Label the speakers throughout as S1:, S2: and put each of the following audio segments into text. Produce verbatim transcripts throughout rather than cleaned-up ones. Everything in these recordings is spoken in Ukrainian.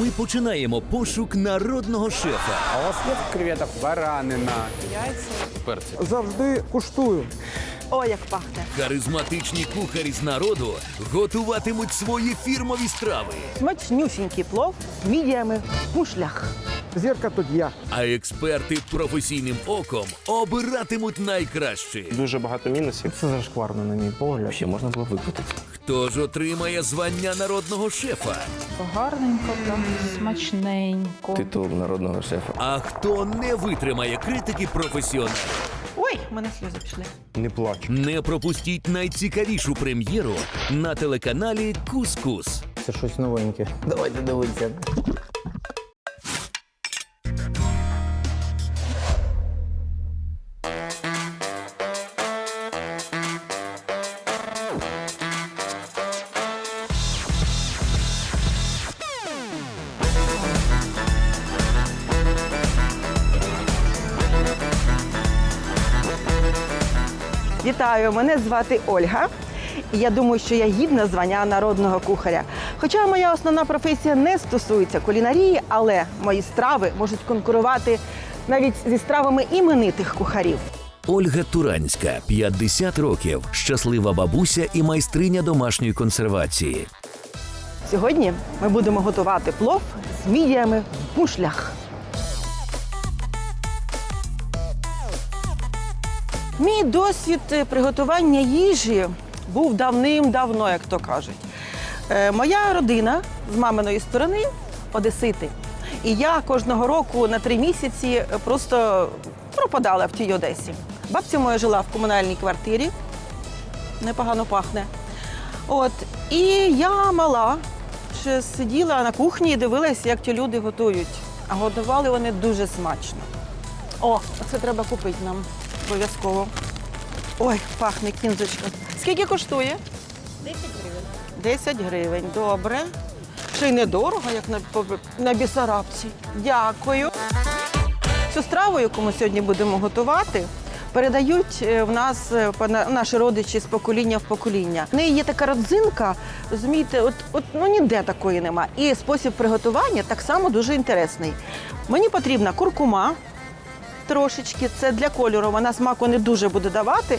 S1: Ми починаємо пошук народного шефа.
S2: А у вас є креветок? Баранина.
S3: Завжди куштую.
S4: О, як пахне.
S1: Харизматичні кухарі з народу готуватимуть свої фірмові страви.
S4: Смачнюсінький плов з мідіями в мушлях.
S3: Зірка тут я.
S1: А експерти професійним оком обиратимуть найкраще.
S5: Дуже багато мінусів.
S3: Це зашкварно, на мій погляд.
S5: Ще можна було викрутити.
S1: Хто ж отримає звання народного шефа?
S6: Гарненько, там, смачненько.
S5: Титул народного шефа.
S1: А хто не витримає критики професіоналів?
S4: Ой, в мене сльози пішли.
S5: Не плач.
S1: Не пропустіть найцікавішу прем'єру на телеканалі Кус-Кус.
S3: Це щось новеньке. Давайте дивитися.
S4: Вітаю, мене звати Ольга. І я думаю, що я гідна звання народного кухаря. Хоча моя основна професія не стосується кулінарії, але мої страви можуть конкурувати навіть зі стравами іменитих кухарів.
S1: Ольга Туранська, п'ятдесят років, щаслива бабуся і майстриня домашньої консервації.
S4: Сьогодні ми будемо готувати плов з мідіями в мушлях. Мій досвід приготування їжі був давним-давно, як то кажуть. Е, моя родина з маминої сторони – одесити. І я кожного року на три місяці просто пропадала в тій Одесі. Бабця моя жила в комунальній квартирі, непогано пахне. От. І я мала, ще сиділа на кухні і дивилася, як ті люди готують. А готували вони дуже смачно. О, це треба купити нам. Обов'язково. Ой, пахне кінзочка. Скільки коштує? десять гривень. десять гривень, добре. Ще й недорого, як на, на Бісарабці. Дякую. Цю страву, яку ми сьогодні будемо готувати, передають в нас наші родичі з покоління в покоління. В неї є така родзинка, розумієте, от, от ну, ніде такої нема. І спосіб приготування так само дуже інтересний. Мені потрібна куркума, трошечки, це для кольору, вона смаку не дуже буде давати.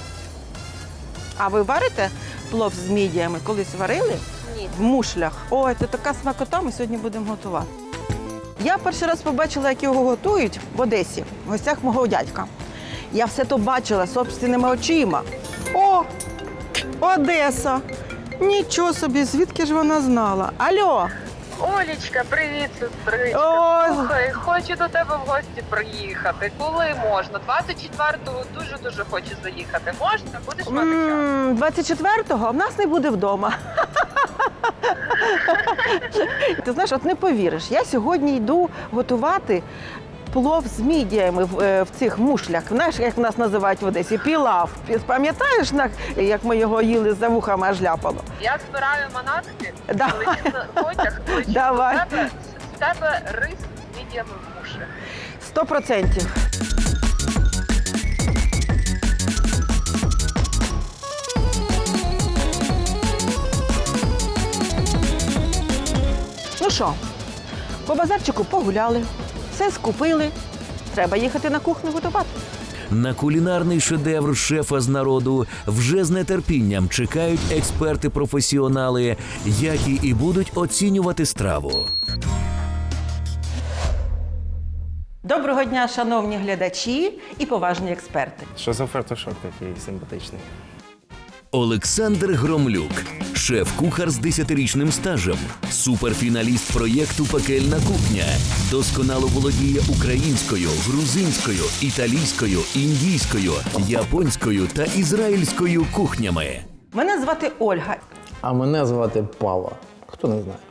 S4: А ви варите плов з мідіями? Колись варили? Ні. В мушлях. Ой, це така смакота, ми сьогодні будемо готувати. Я перший раз побачила, як його готують в Одесі, в гостях мого дядька. Я все то бачила собственними очима. О, Одеса! Нічого собі, звідки ж вона знала? Алло!
S7: Олічка, привіт, сестричка.
S4: Ой.
S7: Слухай, хочу до тебе в гості приїхати. Коли можна? двадцять четвертого дуже-дуже хочу заїхати. Можна? Будеш мати час?
S4: М, двадцять четвертого в нас не буде вдома. Ти знаєш, от не повіриш, я сьогодні йду готувати плов з мідіями в, е, в цих мушлях. Знаєш, як нас називають в Одесі? Пілав. Пам'ятаєш, на- як ми його їли, за вухами аж ляпало?
S7: Я збираю манатки,
S4: Давай.
S7: лечу на потяг, лечу
S4: Давай.
S7: до тебе. З тебе рис з мідіями в мушлях.
S4: Сто процентів. Ну що, по базарчику погуляли, все скупили. Треба їхати на кухню готувати.
S1: На кулінарний шедевр шефа з народу вже з нетерпінням чекають експерти-професіонали, які і будуть оцінювати страву.
S4: Доброго дня, шановні глядачі і поважні експерти.
S5: Що за фартушок такий симпатичний?
S1: Олександр Громлюк, шеф-кухар з десятирічним стажем, суперфіналіст проєкту «Пекельна кухня», досконало володіє українською, грузинською, італійською, індійською, японською та ізраїльською кухнями.
S4: Мене звати Ольга.
S3: А мене звати Пава. Хто не знає.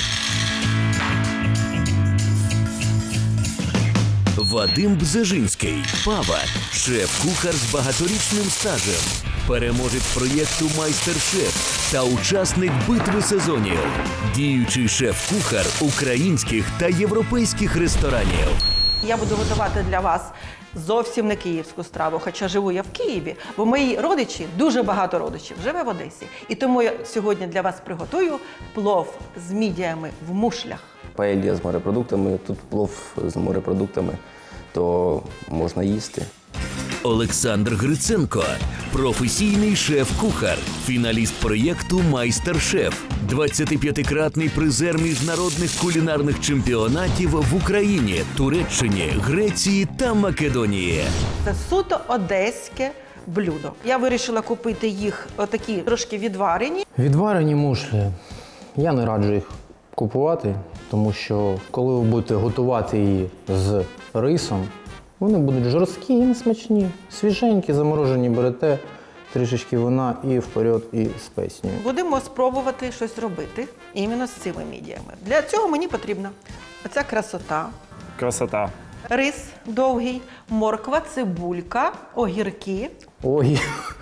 S1: Вадим Бзежинський, Пава, шеф-кухар з багаторічним стажем, переможець проєкту «Майстер-шеф» та учасник битви сезонів, діючий шеф-кухар українських та європейських ресторанів.
S4: Я буду готувати для вас зовсім не київську страву, хоча живу я в Києві, бо мої родичі, дуже багато родичів, живе в Одесі. І тому я сьогодні для вас приготую плов з мідіями в мушлях.
S5: Паелья з морепродуктами, тут плов з морепродуктами, то можна їсти.
S1: Олександр Гриценко, професійний шеф-кухар, фіналіст проєкту «Майстер-шеф», двадцятип'ятикратний призер міжнародних кулінарних чемпіонатів в Україні, Туреччині, Греції та Македонії.
S4: Це суто одеське блюдо. Я вирішила купити їх отакі трошки відварені.
S3: Відварені мушлі. Я не раджу їх купувати, тому що коли ви будете готувати її з рисом, вони будуть жорсткі і несмачні. Свіженькі, заморожені берете, трішечки вина і вперед, і з песнею.
S4: Будемо спробувати щось робити іменно з цими мідіями. Для цього мені потрібна оця красота,
S5: Красота.
S4: рис довгий, морква, цибулька, огірки.
S3: Ой,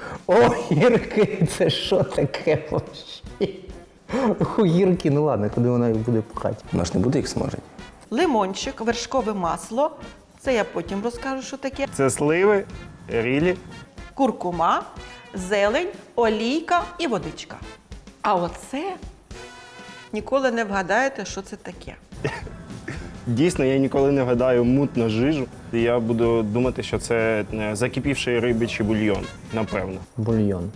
S3: огірки, це що таке вообще? Огірки, ну ладно, куди вона їх буде пхати?
S5: Вона ж не буде їх смажити.
S4: Лимончик, вершкове масло. Це я потім розкажу, що таке.
S5: Це сливи, рілі.
S4: Куркума, зелень, олійка і водичка. А оце ніколи не вгадаєте, що це таке.
S5: Дійсно, я ніколи не вгадаю мутну жижу. Я буду думати, що це закипівший рибичий бульйон, напевно.
S3: Бульйон.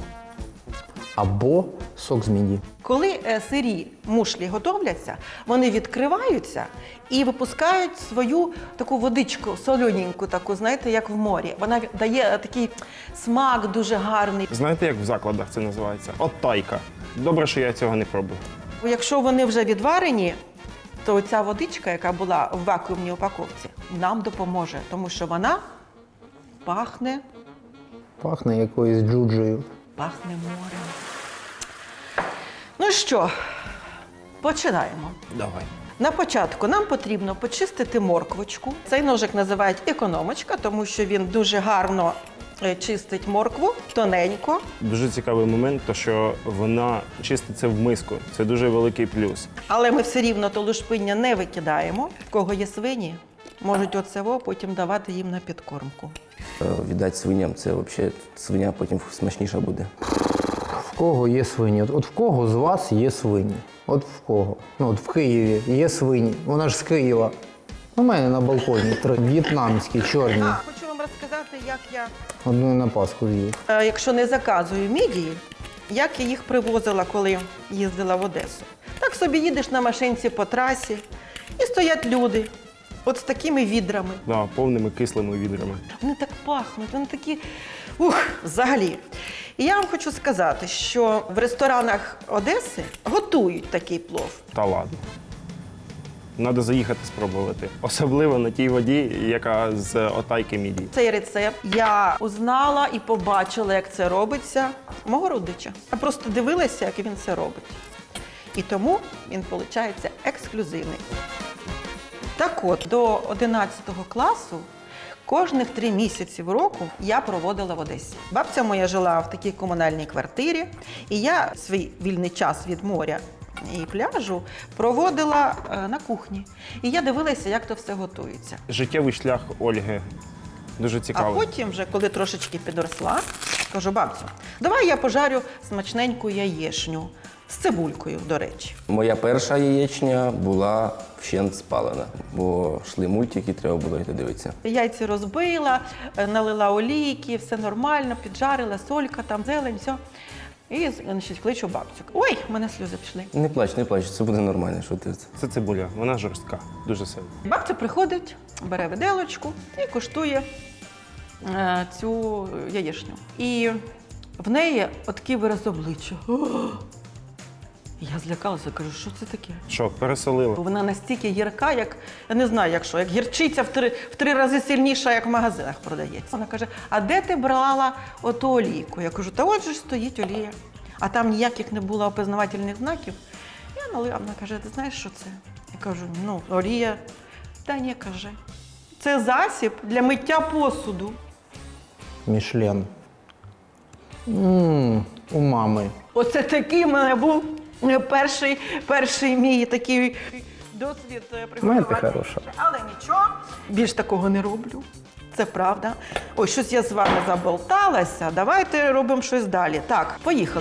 S3: Або сок з міді.
S4: Коли е, сирі мушлі готовляться, вони відкриваються і випускають свою таку водичку, солоненьку таку, знаєте, як в морі. Вона дає такий смак дуже гарний.
S5: Знаєте, як в закладах це називається? От тайка. Добре, що я цього не пробую.
S4: Якщо вони вже відварені, то ця водичка, яка була в вакуумній упаковці, нам допоможе, тому що вона пахне,
S3: Пахне якоюсь джуджею.
S4: пахне морем. Ну що, починаємо.
S5: Давай.
S4: На початку нам потрібно почистити морквочку. Цей ножик називають економочка, тому що він дуже гарно е, чистить моркву, тоненько.
S5: Дуже цікавий момент, то що вона чиститься в миску. Це дуже великий плюс.
S4: Але ми все рівно то лушпиння не викидаємо. В кого є свині, можуть оцево потім давати їм на підкормку.
S5: Е, Віддати свиням, це взагалі свиня потім смачніша буде.
S3: В кого є свині? От, от в кого з вас є свині? От в кого? Ну, от в Києві є свині. Вона ж з Києва. У мене на балконі три в'єтнамські, чорні.
S4: А, хочу вам розказати, як я,
S3: Одну на Пасху з'їв.
S4: е, якщо не заказую мідії, як я їх привозила, коли їздила в Одесу. Так собі їдеш на машинці по трасі, і стоять люди, от з такими відрами.
S5: Да, повними кислими відрами.
S4: Вони так пахнуть, вони такі, ух, взагалі. І я вам хочу сказати, що в ресторанах Одеси готують такий плов.
S5: Та ладно. Треба заїхати спробувати. Особливо на тій воді, яка з отайки мідії.
S4: Цей рецепт я узнала і побачила, як це робиться мого родича. Я просто дивилася, як він це робить. І тому він, виходить, ексклюзивний. Так от, до одинадцятого класу кожних три місяці в року я проводила в Одесі. Бабця моя жила в такій комунальній квартирі, і я свій вільний час від моря і пляжу проводила е, на кухні. І я дивилася, як то все готується.
S5: Життєвий шлях Ольги дуже
S4: А
S5: цікавий.
S4: потім, вже, коли трошечки підросла, кажу, бабцю, давай я пожарю смачненьку яєчню з цибулькою, до речі.
S5: Моя перша яєчня була вщент спалена, бо йшли мультики, треба було йти дивитися.
S4: Яйці розбила, е, налила олійки, все нормально, піджарила, солька, там, зелень, все. І, значить, кличу бабцю. Ой, в мене сльози пішли.
S5: Не плач, не плач, це буде нормально. Що ти? Це цибуля, вона жорстка, дуже сильно.
S4: Бабця приходить, бере виделочку і куштує е, цю яєчню. І в неї такий вираз обличчя. Я злякалася, кажу, що це таке?
S5: Що, пересолила?
S4: Вона настільки гірка, як, я не знаю, як що, як гірчиця в три, в три рази сильніша, як в магазинах продається. Вона каже, а де ти брала оту олійку? Я кажу, та от же ж стоїть олія. А там ніяких не було опізнавательних знаків. Я налила, вона каже, ти знаєш, що це? Я кажу, ну, олія. Та ні, каже. Це засіб для миття посуду.
S3: Мішлен. Ммм, у мами.
S4: Оце такий в мене був перший, перший мій такий досвід
S3: Знаєте,
S4: приготування.
S3: хороша.
S4: Але нічого, більш такого не роблю. Це правда. Ой, щось я з вами заболталася. Давайте робимо щось далі. Так, поїхали.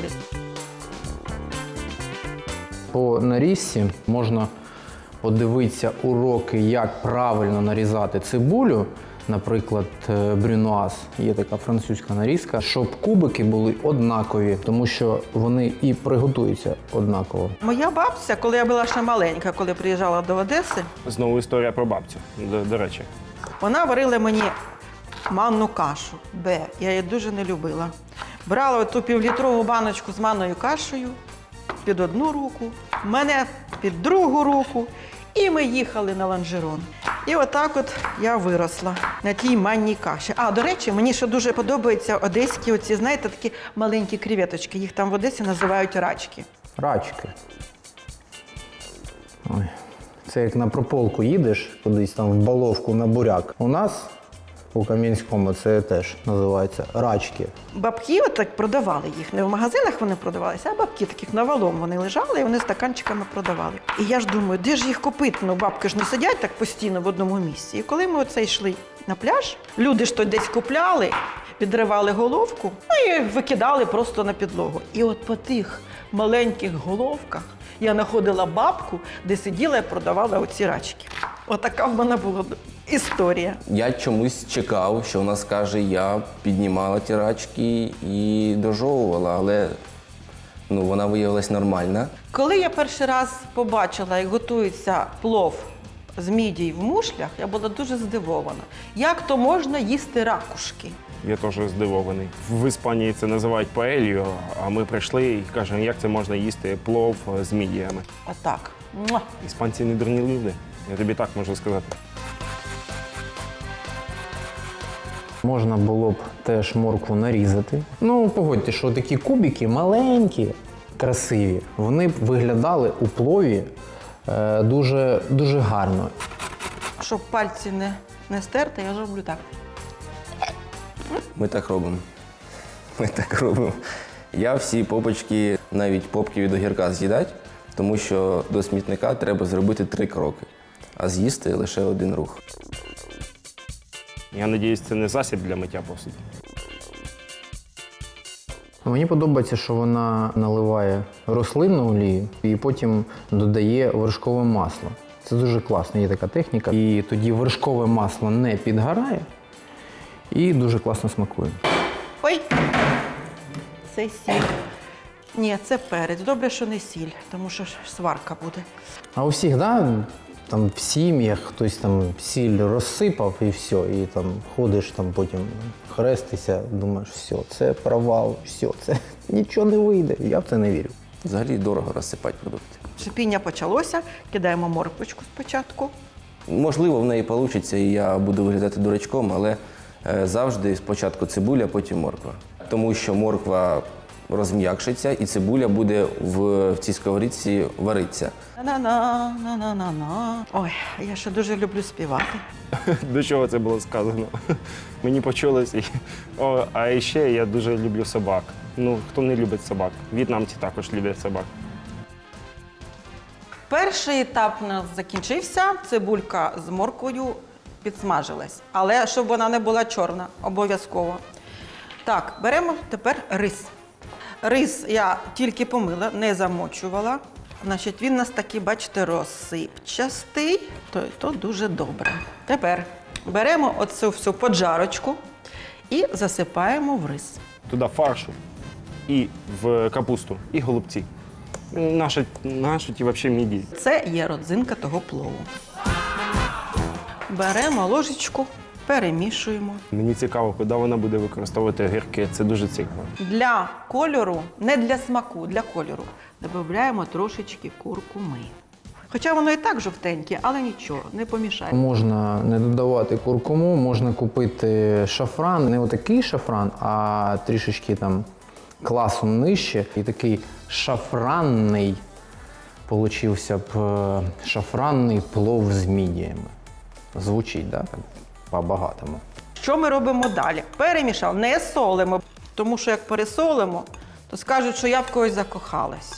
S3: По нарізці можна подивитися уроки, як правильно нарізати цибулю. Наприклад, брюнуаз, є така французька нарізка, щоб кубики були однакові, тому що вони і приготуються однаково.
S4: Моя бабця, коли я була ще маленька, коли приїжджала до Одеси,
S5: Знову історія про бабцю, до, до речі.
S4: вона варила мені манну кашу. Б. Я її дуже не любила. Брала ту півлітрову баночку з манною кашею під одну руку, мене під другу руку, і ми їхали на лонжерон. І отак от я виросла на тій манній каші. А, до речі, мені ще дуже подобаються одеські оці, знаєте, такі маленькі креветочки. Їх там в Одесі називають рачки.
S3: Рачки. Ой. Це як на прополку їдеш, кудись там в Баловку на буряк. У нас у Кам'янському це теж називається рачки.
S4: Бабки отак продавали їх. Не в магазинах вони продавалися, а бабки таких навалом вони лежали і вони стаканчиками продавали. І я ж думаю, де ж їх купити? Ну, бабки ж не сидять так постійно в одному місці. І коли ми оце йшли на пляж, люди ж то десь купляли, відривали головку, ну і викидали просто на підлогу. І от по тих маленьких головках я знаходила бабку, де сиділа і продавала оці рачки. Отака в мене була історія.
S8: Я чомусь чекав, що вона скаже, я піднімала ті рачки і дожовувала, але ну, вона виявилась нормальна.
S4: Коли я перший раз побачила, як готується плов з мідій в мушлях, я була дуже здивована. Як то можна їсти ракушки?
S5: Я теж здивований. В Іспанії це називають паельо, а ми прийшли і кажемо, як це можна їсти плов з мідіями.
S4: Отак. Муа.
S5: Іспанці не дурні люди, я тобі так можу сказати.
S3: Можна було б теж моркву нарізати. Ну, погодьте, що такі кубики маленькі, красиві, вони б виглядали у плові е, дуже, дуже гарно.
S4: Щоб пальці не, не стерти, я роблю так.
S8: Ми так робимо. Ми так робимо. Я всі попочки, навіть попки від огірка з'їдать, тому що до смітника треба зробити три кроки, а з'їсти лише один рух.
S5: Я сподіваюся, це не засіб для миття посуду.
S3: Мені подобається, що вона наливає рослинну олію і потім додає вершкове масло. Це дуже класно, є така техніка. І тоді вершкове масло не підгорає і дуже класно смакує.
S4: Ой, це сіль. Ні, це перець. Добре, що не сіль, тому що ж сварка буде.
S3: А у всіх, да, там в сім'ях хтось там сіль розсипав і все, і там ходиш там потім хрестися, думаєш, все, це провал, все, це нічого не вийде. Я в це не вірю.
S8: Взагалі дорого розсипати продукти.
S4: Шипіння почалося, кидаємо морквочку спочатку.
S8: Можливо, в неї вийде, і я буду виглядати дурачком, але е, завжди спочатку цибуля, потім морква. Тому що морква розм'якшиться і цибуля буде в, в цій сковорідці варитися.
S4: На-на-на, на-на-на-на. Ой, я ще дуже люблю співати.
S5: До чого це було сказано? Мені почулося. О, а ще я дуже люблю собак. Ну, хто не любить собак? В'єтнамці також люблять собак.
S4: Перший етап у нас закінчився, цибулька з морквою підсмажилась. Але щоб вона не була чорна, обов'язково. Так, беремо тепер рис. Рис я тільки помила, не замочувала. Значить, він у нас такий, бачите, розсипчастий, то, то дуже добре. Тепер беремо оцю всю поджарочку і засипаємо в рис.
S5: Туди фаршу і в капусту, і голубці. Наші, наші ті взагалі міді.
S4: Це є родзинка того плову. Беремо ложечку, перемішуємо.
S5: Мені цікаво, куди вона буде використовувати огірки. Це дуже цікаво.
S4: Для кольору, не для смаку, для кольору, додаємо трошечки куркуми. Хоча воно і так жовтеньке, але нічого, не помішає.
S3: Можна не додавати куркуму, можна купити шафран, не отакий шафран, а трішечки там класом нижче. І такий шафранний, получився б е, шафранний плов з мідіями. Звучить, да? Так, по-багатому.
S4: Що ми робимо далі? Перемішав, не солимо, тому що як пересолимо, то скажуть, що я в когось закохалася.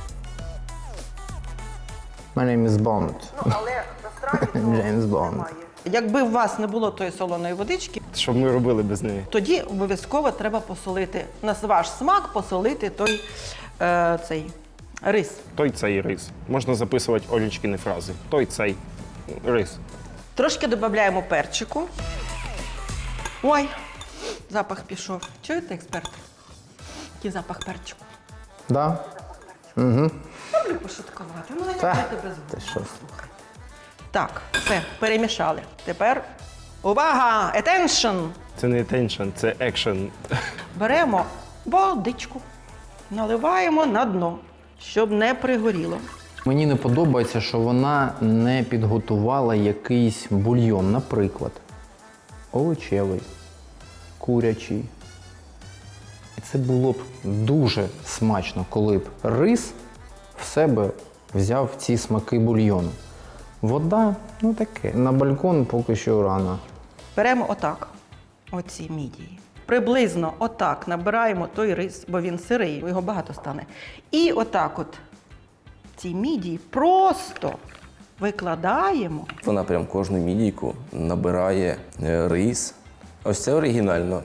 S3: My name is Bond.
S4: Ну, але насправді
S3: Джеймс Бонд.
S4: Якби у вас не було тої солоної водички,
S5: Що б ми робили без неї?
S4: тоді обов'язково треба посолити, на ваш смак посолити той е, цей рис.
S5: Той цей рис. Можна записувати Олічкіни фрази. Той цей рис.
S4: Трошки додаємо перчику. Ой, запах пішов. Чуєте, експерти? Який запах перчику?
S3: Да? Угу.
S4: Люблю пошуткувати. Ну, я
S3: Та,
S4: не тебе
S3: ти що?
S4: Так, все, перемішали. Тепер увага! Attention!
S5: Це не attention, це action.
S4: Беремо водичку, наливаємо на дно, щоб не пригоріло.
S3: Мені не подобається, що вона не підготувала якийсь бульйон, наприклад, овочевий, курячий. І це було б дуже смачно, коли б рис в себе взяв ці смаки бульйону. Вода, ну таке. На балкон поки що рано.
S4: Беремо отак, оці мідії. Приблизно отак набираємо той рис, бо він сирий, його багато стане. І отак от ці мідії просто викладаємо.
S8: Вона прям кожну мідійку набирає е, рис. Ось це оригінально.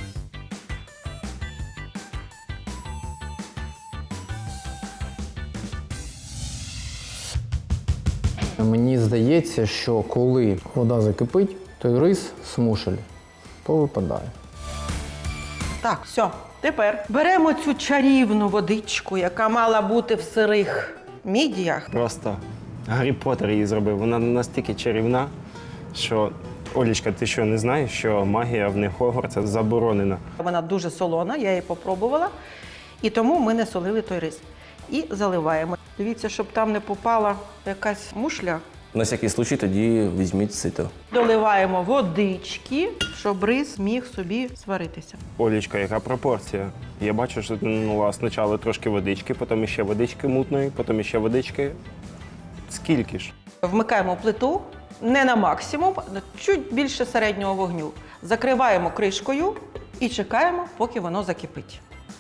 S3: Мені здається, що коли вода закипить, то рис смушель повипадає.
S4: Так, все. Тепер беремо цю чарівну водичку, яка мала бути в сирих мідіях.
S5: Просто Гаррі Поттер її зробив. Вона настільки чарівна, що Олічка, ти що не знаєш, що магія в них Хогвартса заборонена?
S4: Вона дуже солона, я її попробувала, і тому ми не солили той рис. І заливаємо. Дивіться, щоб там не попала якась мушля.
S8: На всякий случай тоді візьміть сито.
S4: Доливаємо водички, щоб рис міг собі сваритися.
S5: Олічка, яка пропорція? Я бачу, що ти налила спочатку трошки водички, потім ще водички мутної, потім ще водички. Скільки ж?
S4: Вмикаємо плиту не на максимум, а чуть більше середнього вогню. Закриваємо кришкою і чекаємо, поки воно закипить.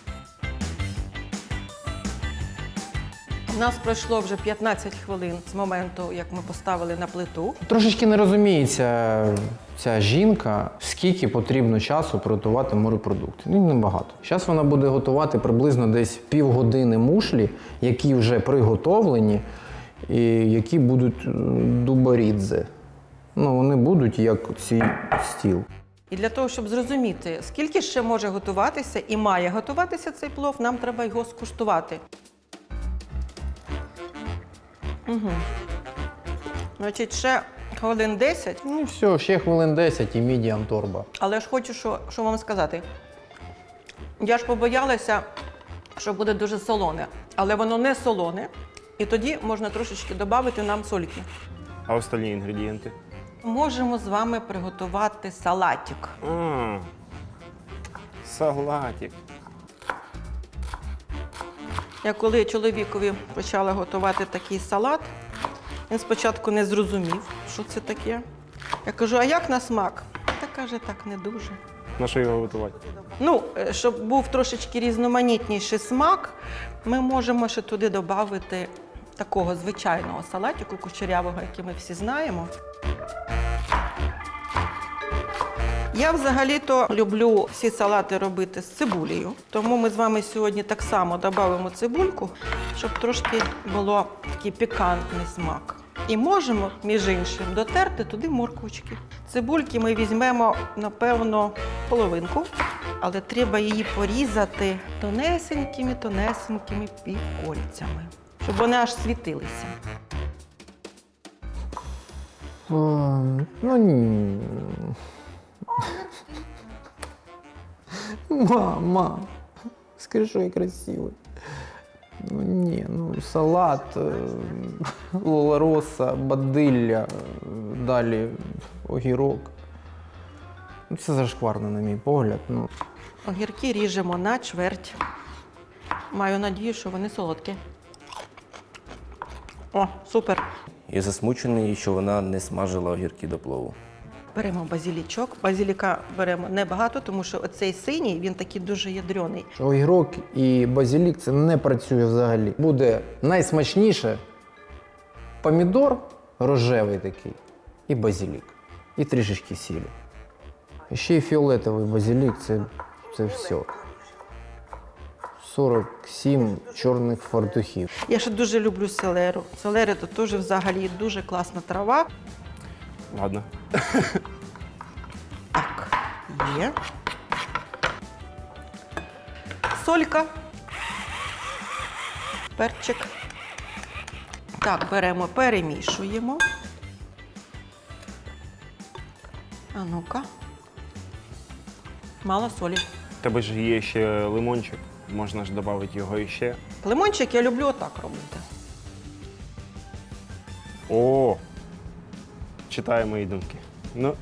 S4: У нас пройшло вже п'ятнадцять хвилин з моменту, як ми поставили на плиту.
S3: Трошечки не розуміється ця жінка, скільки потрібно часу приготувати морепродукти. Ну, небагато. Зараз вона буде готувати приблизно десь півгодини мушлі, які вже приготовлені, і які будуть дубарідзе. Ну, вони будуть як цей стіл.
S4: І для того, щоб зрозуміти, скільки ще може готуватися і має готуватися цей плов, нам треба його скуштувати. Угу. Значить, ще хвилин десять.
S3: Ну все, ще хвилин десять і мідіам торба.
S4: Але ж хочу, що, що вам сказати. Я ж побоялася, що буде дуже солоне. Але воно не солоне. І тоді можна трошечки додати нам сольки.
S5: А остальні інгредієнти?
S4: Можемо з вами приготувати салатик.
S5: А, салатик.
S4: Я коли чоловікові почала готувати такий салат, він спочатку не зрозумів, що це таке. Я кажу, а як на смак? Та каже, так не дуже.
S5: На що його готувати?
S4: Ну, е, щоб був трошечки різноманітніший смак, ми можемо ще туди додати такого звичайного салатику кучерявого, який ми всі знаємо. Я взагалі-то люблю всі салати робити з цибулею, тому ми з вами сьогодні так само додамо цибульку, щоб трошки було такий пікантний смак. І можемо, між іншим, дотерти туди морквочки. Цибульки ми візьмемо, напевно, половинку, але треба її порізати тонесенькими-тонесенькими півкольцями, щоб вони аж світилися.
S3: О, ну ні. Мама, скажи, що я красивий. Ну ні, ну салат, лолароса, бадилля, далі огірок. Ну, це зашкварно, на мій погляд. Ну.
S4: Огірки ріжемо на чверть. Маю надію, що вони солодкі. О, супер.
S8: Я засмучений, що вона не смажила огірки до плову.
S4: Беремо базилічок. Базиліка беремо небагато, тому що оцей синій, він такий дуже ядрений.
S3: Огірок і базилік це не працює взагалі. Буде найсмачніше помідор рожевий такий і базилік. і трішечки сілі. І ще й фіолетовий базилік це, це все. сорок сім чорних фартухів.
S4: Я ще дуже люблю селеру. Селери то теж взагалі дуже класна трава.
S5: Ладно.
S4: Так, є. Солька. Перчик. Так, беремо, перемішуємо. А ну-ка. Мало солі.
S5: У тебе ж є ще лимончик, можна ж додати його іще.
S4: Лимончик я люблю отак робити.
S5: О! Читає мої думки. Ну,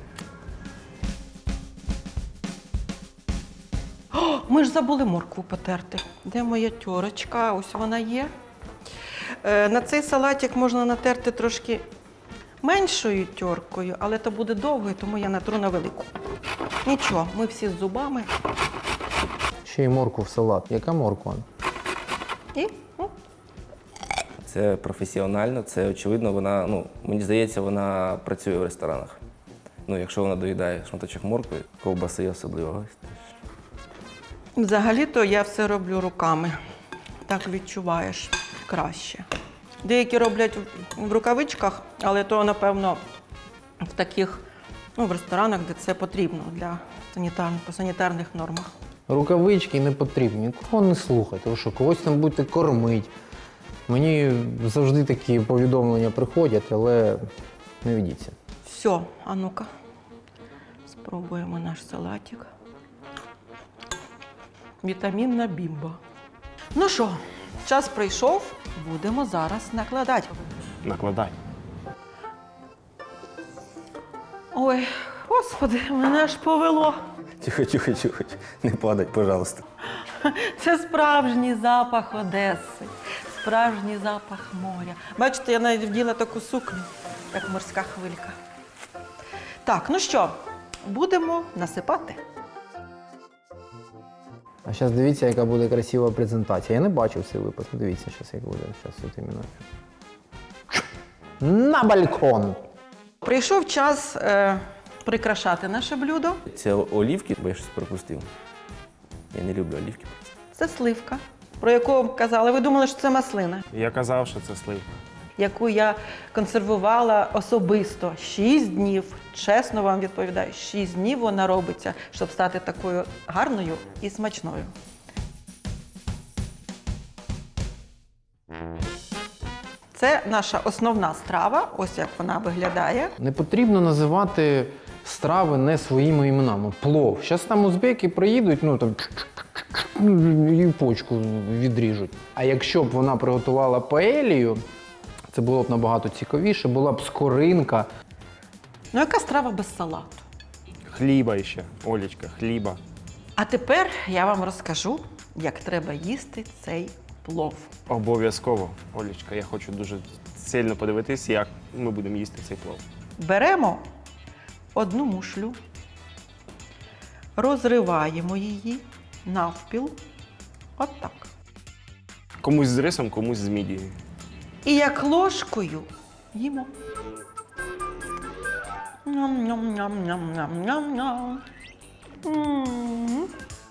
S4: Ми ж забули моркву потерти. Де моя тьорочка? Ось вона є. Е, на цей салатик можна натерти трошки меншою тьоркою, але то буде довго, і тому я натру на велику. Нічого, ми всі з зубами.
S3: Ще й моркву в салат. Яка морква?
S4: І ну,
S8: Це професіонально, це очевидно, вона, ну, мені здається, вона працює в ресторанах. Ну, якщо вона доїдає шматочок моркви, ковбаси особливо.
S4: взагалі-то я все роблю руками. Так відчуваєш краще. Деякі роблять в- в рукавичках, але то, напевно, в таких, ну, в ресторанах, де це потрібно для санітарних, по санітарних нормах.
S3: Рукавички не потрібні, кого не слухайте, ви що, когось там будете кормити. Мені завжди такі повідомлення приходять, але не ведіться.
S4: Все, а ну-ка, спробуємо наш салатик. Вітамінна бімба. Ну що, час прийшов, будемо зараз накладати.
S5: накладай.
S4: Ой, господи, мене аж повело.
S8: Тихо, тихо, тихо, не падать, пожалуйста.
S4: Це справжній запах Одеси, справжній запах моря. Бачите, я навіть вділа таку сукню, як морська хвилька. Так, ну що, будемо насипати.
S3: А зараз дивіться, яка буде красива презентація. Я не бачив цей випуск. Дивіться, зараз як буде. Зараз от іменно. На балкон!
S4: Прийшов час е, прикрашати наше блюдо.
S8: Це олівки, бо я щось пропустив. Я не люблю олівки.
S4: Це сливка, про яку казали. Ви думали, що це маслина,
S5: Я казав, що це сливка.
S4: яку я консервувала особисто шість днів. Чесно вам відповідаю, шість днів вона робиться, щоб стати такою гарною і смачною. Це наша основна страва, ось як вона виглядає.
S3: Не потрібно називати страви не своїми іменами. Плов. Зараз там узбеки приїдуть, ну там і почку відріжуть. А якщо б вона приготувала паелію, це було б набагато цікавіше, була б скоринка.
S4: Ну, яка страва без салату?
S5: Хліба ще, Олечка, хліба.
S4: А тепер я вам розкажу, як треба їсти цей плов.
S5: Обов'язково, Олечка, я хочу дуже сильно подивитись, як ми будемо їсти цей плов.
S4: Беремо одну мушлю, розриваємо її навпіл, отак.
S5: Комусь з рисом, комусь з мідією.
S4: І як ложкою їмо. Ням-ням-ням-ням-ням-ням-ням. М.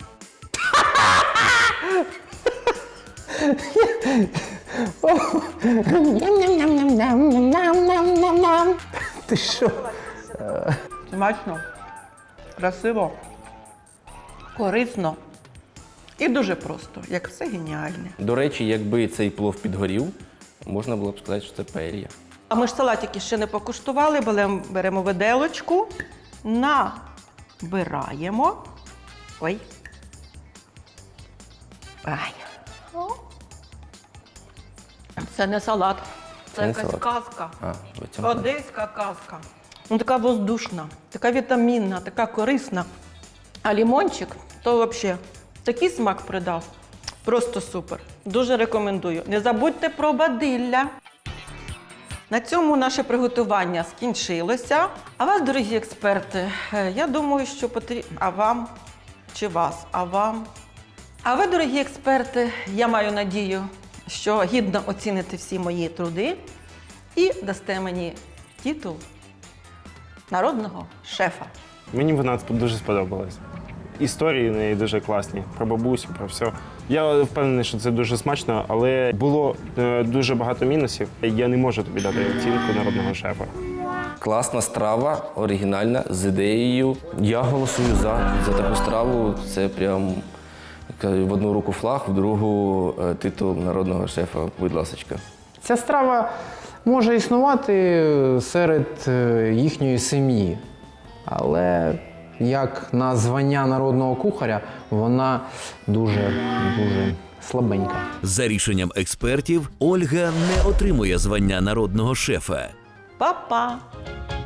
S3: Ти що?
S4: Смачно, красиво, корисно і дуже просто, як все геніальне.
S8: До речі, якби цей плов підгорів, можна було б сказати, що це паелья.
S4: А ми ж салатики ще не покуштували, беремо, беремо виделочку, набираємо. Ой. Ай. Це не салат, це,
S8: Це не
S4: якась
S8: салат.
S4: казка.
S8: А, в цьому.
S4: Одеська казка. Ну, така воздушна, така вітамінна, така корисна. А лімончик, то взагалі такий смак придав. Просто супер. Дуже рекомендую. Не забудьте про бадилля. На цьому наше приготування скінчилося. А вас, дорогі експерти, е, я думаю, що потрібно. А вам чи вас? А вам? А ви, дорогі експерти, я маю надію, що гідно оціните всі мої труди і дасте мені титул народного шефа.
S5: Мені вона тут дуже сподобалась. Історії в неї дуже класні, про бабусю, про все. Я впевнений, що це дуже смачно, але було е, дуже багато мінусів. Я не можу тобі дати оцінку народного шефа.
S8: Класна страва, оригінальна, з ідеєю. Я голосую за, за таку страву. Це прям в одну руку флаг, в другу е, титул народного шефа. Будь ласочка.
S3: Ця страва може існувати серед е, їхньої сім'ї, але як на звання народного кухаря вона дуже, дуже слабенька.
S1: За рішенням експертів, Ольга не отримує звання народного шефа.
S4: Па-па!